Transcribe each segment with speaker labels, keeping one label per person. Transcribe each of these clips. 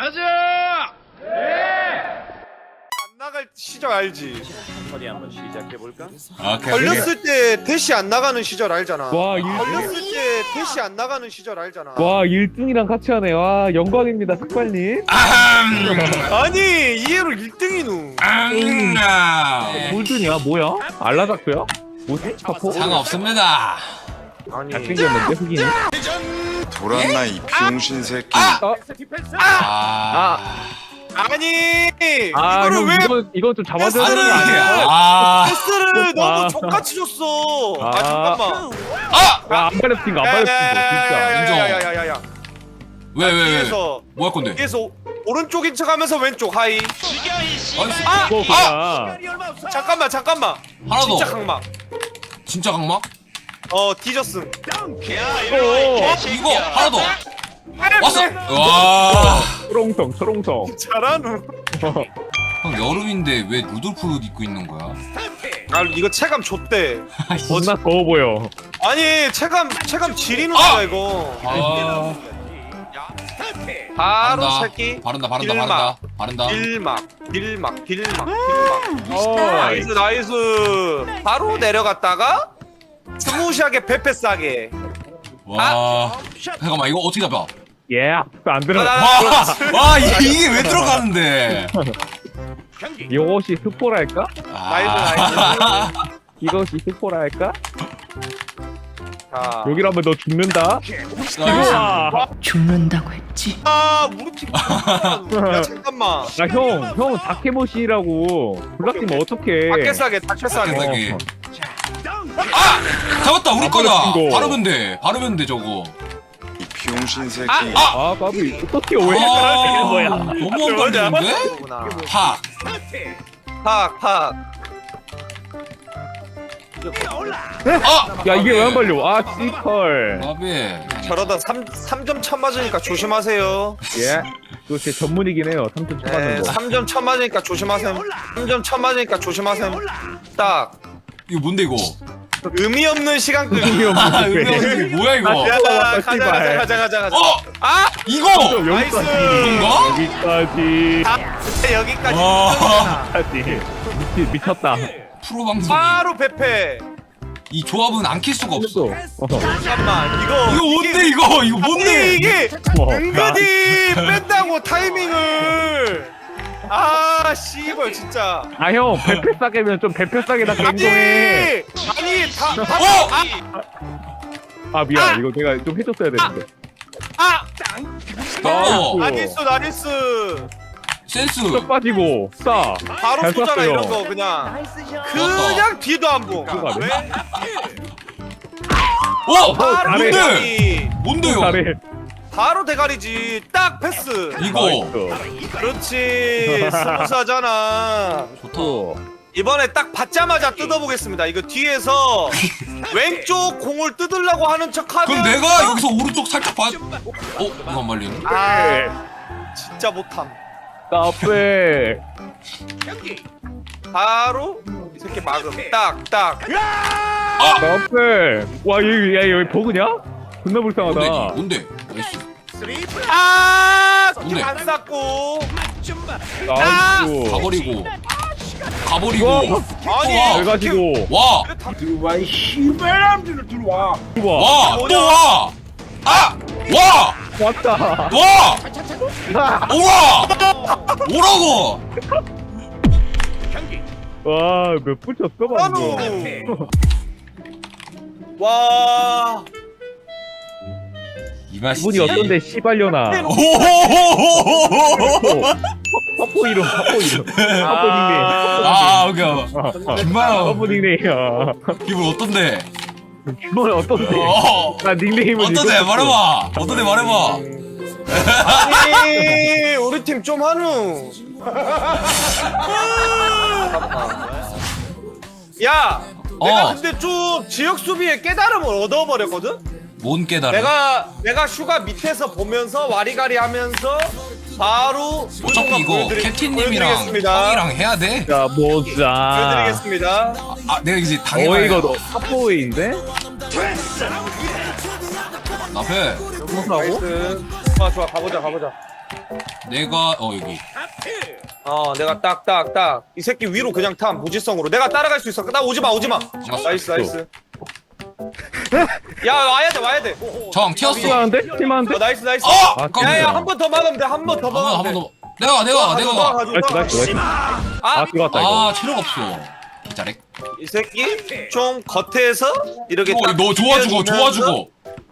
Speaker 1: 가자!
Speaker 2: 안 나갈 시절 알지?
Speaker 3: 어디 한번 시작해 볼까?
Speaker 4: 오케이.
Speaker 2: 걸렸을 때 대시 안 나가는 시절 알잖아.
Speaker 5: 와,
Speaker 2: 걸렸을 때 대시 안 나가는 시절 알잖아.
Speaker 5: 와 1등이랑 같이 하네. 와 영광입니다 색발님.
Speaker 2: 아니 이해로 1등이누.
Speaker 5: 골든이야 뭐야? 알라닥터야? 뭐지? 카포?
Speaker 4: 상관없습니다.
Speaker 2: 아니
Speaker 5: 잘생겼는데 흑인이?
Speaker 6: 돌았나 이 비용신 새끼.
Speaker 2: 아니
Speaker 5: 아
Speaker 2: 이거를
Speaker 5: 형
Speaker 2: 왜
Speaker 5: 이건 좀 잡아줘야
Speaker 2: 패스를
Speaker 5: 되는 거 아니야?
Speaker 2: 패스를 너무
Speaker 5: 아.
Speaker 2: 족같이 줬어. 아
Speaker 5: 아.
Speaker 2: 잠깐만.
Speaker 5: 야안 발렸tin 거안 발렸tin 거 진짜.
Speaker 4: 인정.
Speaker 2: 야야야야야야.
Speaker 4: 왜?
Speaker 2: 뒤에서
Speaker 4: 뭐 할 건데?
Speaker 2: 뒤에서 오른쪽인 척하면서 왼쪽 하이.
Speaker 4: 아,
Speaker 5: 이거 그냥
Speaker 2: 잠깐만.
Speaker 4: 하나 더.
Speaker 2: 진짜 강막.
Speaker 4: 진짜 강막?
Speaker 2: 뒤졌음.
Speaker 4: 이거 하나 더. 왔어. 와.
Speaker 5: 초롱성
Speaker 2: 잘하누.
Speaker 4: 형 여름인데 왜 루돌프 입고 있는 거야?
Speaker 2: 아 이거 체감 좆대.
Speaker 5: 존나 더워 보여.
Speaker 2: 아니 체감 지리누야 이거.
Speaker 4: 아.
Speaker 2: 바로
Speaker 4: 바른다.
Speaker 2: 새끼.
Speaker 4: 바른다.
Speaker 2: 빌막.
Speaker 5: 나이스.
Speaker 2: 나이스. 바로 내려갔다가 스무시하게 베페 싸게.
Speaker 4: 와. 잠깐만 이거 어떻게 잡아?
Speaker 5: 안 들어.
Speaker 4: 와 이게 왜 들어가는데?
Speaker 5: 이것이 스포랄까?
Speaker 4: 아.
Speaker 5: 이것이 스포랄까?
Speaker 2: 자.
Speaker 5: 여기라면 너 죽는다. 우와.
Speaker 7: 죽는다고 했지.
Speaker 2: 우리 팀. 야 잠깐만.
Speaker 5: 형 다케모시라고 불락팀 어떡해?
Speaker 2: 밖에 싸게.
Speaker 4: 세상에. 잡았다 우리 거다.
Speaker 5: 거.
Speaker 4: 바르면 돼 저거.
Speaker 6: 이 비용신 새끼.
Speaker 5: 아 까비 어떻게 왜
Speaker 4: 아,
Speaker 5: 이러는 거야?
Speaker 4: 너무 안 걸리는데? 팍.
Speaker 5: 야 이게 왜 안 발려? 아 씨펄.
Speaker 4: 아비.
Speaker 2: 저러다 3점 첫 맞으니까 조심하세요.
Speaker 5: 예. 그거 제 전문이긴 해요. 3점
Speaker 2: 네,
Speaker 5: 쳐맞는 거.
Speaker 2: 3점 첫 맞으니까 조심하세요. 3점 첫 맞으니까 조심하세요. 딱
Speaker 4: 이거 뭔데 이거?
Speaker 2: 의미 없는 시간 끌기.
Speaker 5: 의미 없는
Speaker 4: 아,
Speaker 5: 게.
Speaker 4: 이거 뭐야 이거?
Speaker 2: 야,
Speaker 5: 씨발.
Speaker 2: 가자.
Speaker 4: 어? 이거!
Speaker 5: 여기까지.
Speaker 4: 이건가?
Speaker 5: 여기까지.
Speaker 2: 여기까지.
Speaker 4: 와.
Speaker 5: 여기까지. 미쳤다.
Speaker 4: 프로 방송이
Speaker 2: 바로 베페.
Speaker 4: 이 조합은 안 킬 수가 없어.
Speaker 2: 잠깐만 이거
Speaker 4: 뭔데 이거? 이거
Speaker 2: 아니,
Speaker 4: 뭔데?
Speaker 2: 이게
Speaker 5: 뭐,
Speaker 2: 은근히 뺀다고 타이밍을. 아 씨발 진짜.
Speaker 5: 아 형 배패 싸게면 좀 배패 싸게답게 행동해.
Speaker 2: 아니
Speaker 5: 아 미안 이거 내가 좀 해줬어야 되는데.
Speaker 4: 어.
Speaker 2: 나이스.
Speaker 4: 센스.
Speaker 5: 쭉 빠지고 싸.
Speaker 2: 바로
Speaker 5: 잘
Speaker 2: 쏘잖아
Speaker 5: 쐈어요.
Speaker 2: 이런 거 그냥 뒤도 안 보.
Speaker 5: 그거 안 해?
Speaker 4: 어?
Speaker 5: 잘해.
Speaker 4: 뭔데요?
Speaker 5: 잘해.
Speaker 2: 바로 대가리지. 딱 패스.
Speaker 4: 이거.
Speaker 2: 그렇지. 스무스하잖아.
Speaker 5: 또.
Speaker 2: 이번에 딱 받자마자 뜯어보겠습니다. 이거 뒤에서 왼쪽 공을 뜯으려고 하는 척하면.
Speaker 4: 그럼 내가 여기서 오른쪽 살짝 봐. 이거 안 말리네.
Speaker 2: 진짜 못함.
Speaker 5: 까빼.
Speaker 2: 바로 이 새끼 막음. 딱.
Speaker 5: 까빼. 와 여기 버그냐? 존나 불쌍하다.
Speaker 4: 뭔데? 나이스. 뭔데?
Speaker 2: 안 쌌고.
Speaker 5: 나이스.
Speaker 4: 가버리고.
Speaker 2: 아니.
Speaker 5: 잘 가지고.
Speaker 4: 와.
Speaker 5: 우와.
Speaker 4: 와. 또 와. 와.
Speaker 5: 왔다.
Speaker 4: 와. 오라고.
Speaker 5: 와, 몇 분 쳤어, 방금.
Speaker 2: 와.
Speaker 4: 이 맛이지.
Speaker 5: 기분이 어떤데, 씨발려나. 퍼포 이름.
Speaker 4: 오케이. 김마영.
Speaker 5: 퍼포 닉네임이야.
Speaker 4: 기분 어떤데?
Speaker 5: 기분 어떤데? 나 닉네임을
Speaker 4: 어떤데? 말해봐.
Speaker 2: 아니 우리 팀 좀 하누. 야. 내가 근데 좀 지역 수비에 깨달음을 얻어버렸거든?
Speaker 4: 뭔 깨달음?
Speaker 2: 내가 슈가 밑에서 보면서 와리가리 하면서 바로
Speaker 4: 어차피 이거 캡틴님이랑 형이랑 해야 돼?
Speaker 5: 자, 보자.
Speaker 2: 보여드리겠습니다.
Speaker 4: 내가 이제 당해봐야
Speaker 5: 이거 너 탑보이인데?
Speaker 4: 앞에
Speaker 5: 무사하고?
Speaker 2: 나이스. 좋아 가보자.
Speaker 4: 내가 여기.
Speaker 2: 내가 딱 이 새끼 위로 그냥 타 무지성으로 내가 따라갈 수 있어. 나 오지마. 나이스. 야 와야 돼.
Speaker 4: 정 튀었어.
Speaker 5: 팀하는데? 팀하는데?
Speaker 2: 나이스.
Speaker 4: 아!
Speaker 2: 야야 한 번 더 막으면 돼. 한 번 더 막으면
Speaker 4: 한번
Speaker 2: 돼.
Speaker 4: 더. 내가.
Speaker 5: 나이스. 아, 들어갔다, 이거.
Speaker 4: 아 체력 없어. 기자렉.
Speaker 2: 이 새끼 좀 겉에서 이렇게 딱
Speaker 4: 너 좋아주고.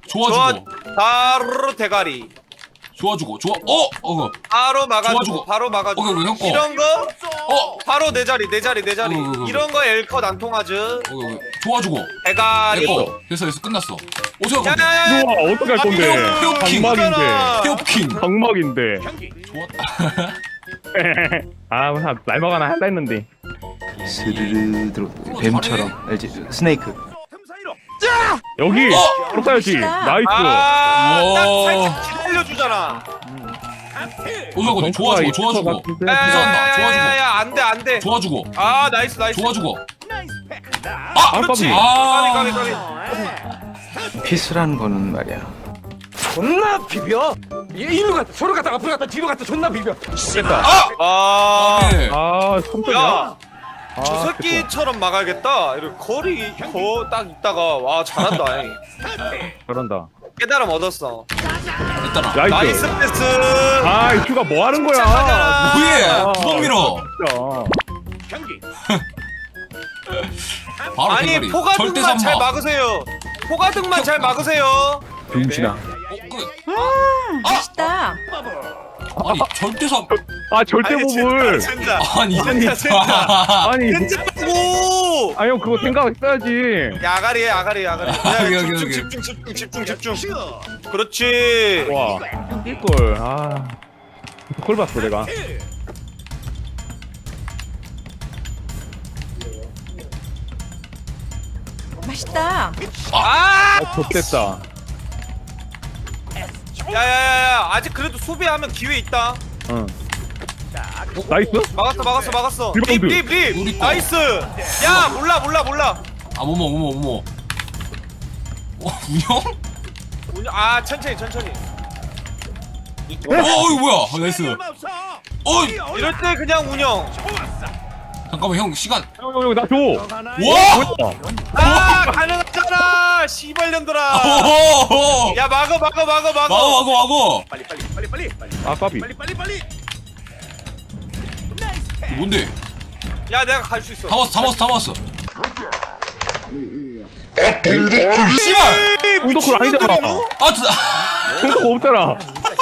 Speaker 2: 바로 대가리
Speaker 4: 좋아주고.
Speaker 2: 바로 막아주고
Speaker 4: 좋아주고.
Speaker 2: 바로 막아주고
Speaker 4: 형 거.
Speaker 2: 이런 거 바로 내 자리 이런 거 엘컷 안 통하지
Speaker 4: 좋아주고.
Speaker 2: 대가리
Speaker 4: 됐어 끝났어. 오세요.
Speaker 2: 야야야
Speaker 5: 우와, 어떻게 할 건데?
Speaker 4: 페어킹.
Speaker 5: 강막인데.
Speaker 4: 페어킹.
Speaker 5: 강막인데.
Speaker 4: 좋았다.
Speaker 5: 아, 날막 하나 할라 했는데.
Speaker 1: 스르르 들어 뱀처럼 알지? 스네이크.
Speaker 5: 여기! 바로 쏴야지. 나이스.
Speaker 2: 아딱
Speaker 4: 우와.
Speaker 2: 살짝 기다려주잖아
Speaker 4: 오세요. 좋아주고.
Speaker 2: 야야야야 안돼
Speaker 4: 좋아주고.
Speaker 2: 아 나이스
Speaker 4: 좋아주고.
Speaker 2: 그렇지
Speaker 5: 깜깜이.
Speaker 2: 까비
Speaker 1: 피스라는 거는 말이야.
Speaker 7: 존나 비벼. 일로 갔다 저로 갔다 앞으로 갔다 뒤로 갔다 존나 비벼.
Speaker 5: 됐다.
Speaker 4: 네.
Speaker 5: 아, 3점이야?
Speaker 2: 야, 저 새끼처럼 막아야겠다. 이렇게 거리 딱 있다가 와 잘한다.
Speaker 5: 잘한다.
Speaker 2: 깨달음 얻었어.
Speaker 4: 됐다.
Speaker 2: 나이스
Speaker 5: 나이스.
Speaker 2: 패스.
Speaker 5: 아, 이 큐가 뭐 하는 거야?
Speaker 2: 잘하잖아.
Speaker 4: 뭐해? 구덩 밀어.
Speaker 5: 진짜.
Speaker 4: 바로
Speaker 2: 아니
Speaker 4: 대가리. 절대
Speaker 2: 포가등만 잘
Speaker 4: 삼바.
Speaker 2: 막으세요. 포가등만 잘 막으세요.
Speaker 5: 병신아.
Speaker 8: 맛있다.
Speaker 4: 아니 절대 삼.
Speaker 5: 아, 절대 보물.
Speaker 2: 진짜.
Speaker 4: 아니
Speaker 2: 진짜.
Speaker 5: 아니,
Speaker 2: 진짜고.
Speaker 5: 아, 형, 그거 생각했어야지.
Speaker 2: 야가리. 야,
Speaker 4: 여기.
Speaker 2: 집중. 그렇지.
Speaker 5: 와, 뛸걸. 아, 콜 봤어, 내가.
Speaker 8: 맛있다.
Speaker 2: 아,
Speaker 5: 좆됐다.
Speaker 2: 야야야야. 아직 그래도 수비하면 기회 있다.
Speaker 5: 응. 나이스?
Speaker 2: 막았어.
Speaker 5: 리바운드.
Speaker 2: 립.
Speaker 4: 우리 거.
Speaker 2: 나이스. 야, 몰라.
Speaker 4: 아 뭐뭐. 운영?
Speaker 2: 아, 천천히.
Speaker 4: 이거 뭐야? 나이스.
Speaker 2: 이럴 때 그냥 운영.
Speaker 4: 잠깐만 형 시간.
Speaker 5: 형, 나 줘.
Speaker 4: 와!
Speaker 2: 아, 가능하잖아. 씨발년들아.
Speaker 4: 오호호!
Speaker 2: 야, 막어.
Speaker 4: 막어.
Speaker 5: 아, 까비.
Speaker 4: 뭔데?
Speaker 2: 야, 내가 갈 수 있어.
Speaker 4: 다 왔어. 씨발!
Speaker 5: 공덕골 아니잖아.
Speaker 4: 아, 진짜.
Speaker 5: 공덕 없잖아.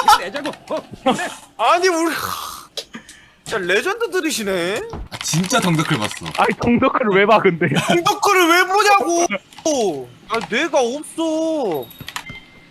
Speaker 2: 아니, 우리 진짜 레전드들이시네.
Speaker 4: 진짜 덩덕을 봤어.
Speaker 5: 아니, 공덕골을 왜 봐, 근데.
Speaker 2: 공덕글을 왜 보냐고. 아, 뇌가 없어.